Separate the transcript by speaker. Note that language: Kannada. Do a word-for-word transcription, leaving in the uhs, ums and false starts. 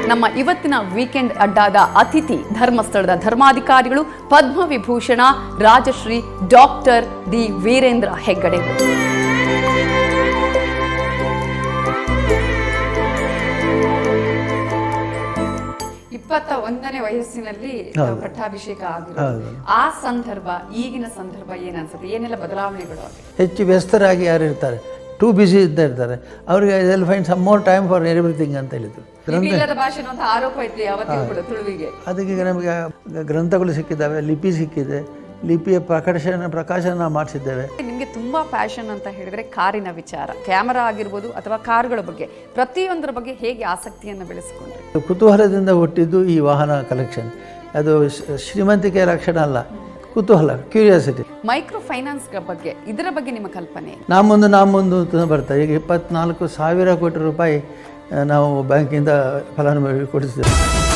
Speaker 1: ನಮ್ಮ ಇವತ್ತಿನ ವೀಕೆಂಡ್ ಅಡ್ಡಾದ ಅತಿಥಿ ಧರ್ಮಸ್ಥಳದ ಧರ್ಮಾಧಿಕಾರಿಗಳು ಪದ್ಮವಿಭೂಷಣ ರಾಜಶ್ರೀ ಡಾಕ್ಟರ್ ಡಿ ವೀರೇಂದ್ರ ಹೆಗ್ಗಡೆ. ಇಪ್ಪತ್ತ ಒಂದನೇ ವಯಸ್ಸಿನಲ್ಲಿ ಪಟ್ಟಾಭಿಷೇಕ ಆಗಿರೋದು. ಆ ಸಂದರ್ಭ ಈಗಿನ ಸಂದರ್ಭ ಏನನ್ಸುತ್ತೆ? ಏನೆಲ್ಲ ಬದಲಾವಣೆಗಳು?
Speaker 2: ಹೆಚ್ಚು ವ್ಯಸ್ತರಾಗಿ ಯಾರು ಇರ್ತಾರೆ, ಟೂ ಬಿಸಿ ಇದ್ದ ಇರ್ತಾರೆ, ಅವ್ರಿಗೆ I find some more time for everything ಅಂತ ಹೇಳಿದ್ರು.
Speaker 1: ಭಾಷೆ ಆರೋಪ ಇತ್ತು ಯಾವತ್ತಿಗೂ ಕೂಡ ತುಳುವಿಗೆ.
Speaker 2: ಅದಕ್ಕೆ ನಮಗೆ ಗ್ರಂಥಗಳು ಸಿಕ್ಕಿದ್ದಾವೆ, ಲಿಪಿ ಸಿಕ್ಕಿದೆ, ಲಿಪಿಯ ಪ್ರಕಾಶನ ಪ್ರಕಾಶನ ಮಾಡಿಸಿದ್ದೇವೆ.
Speaker 1: ನಿಮಗೆ ತುಂಬಾ ಪ್ಯಾಷನ್ ಅಂತ ಹೇಳಿದ್ರೆ ಕಾರಿನ ವಿಚಾರ, ಕ್ಯಾಮರಾ ಆಗಿರ್ಬೋದು ಅಥವಾ ಕಾರುಗಳ ಬಗ್ಗೆ, ಪ್ರತಿಯೊಂದರ ಬಗ್ಗೆ ಹೇಗೆ ಆಸಕ್ತಿಯನ್ನು ಬೆಳೆಸಿಕೊಂಡ್ರಿ?
Speaker 2: ಕುತೂಹಲದಿಂದ ಹುಟ್ಟಿದ್ದು ಈ ವಾಹನ ಕಲೆಕ್ಷನ್. ಅದು ಶ್ರೀಮಂತಿಕೆಯ ಲಕ್ಷಣ ಅಲ್ಲ, ಕುತೂಹಲ, ಕ್ಯೂರಿಯಾಸಿಟಿ.
Speaker 1: ಮೈಕ್ರೋ ಫೈನಾನ್ಸ್ ಬಗ್ಗೆ, ಇದರ ಬಗ್ಗೆ ನಿಮ್ಮ ಕಲ್ಪನೆ?
Speaker 2: ನಾ ಮುಂದೆ ನಾ ಮುಂದೆ ಅಂತ ಬರ್ತಾರೆ. ಈಗ ಇಪ್ಪತ್ನಾಲ್ಕು ಸಾವಿರ ಕೋಟಿ ರೂಪಾಯಿ ನಾವು ಬ್ಯಾಂಕಿಂದ ಫಲಾನುಭವಿ ಕೊಡಿಸ್ತೇವೆ.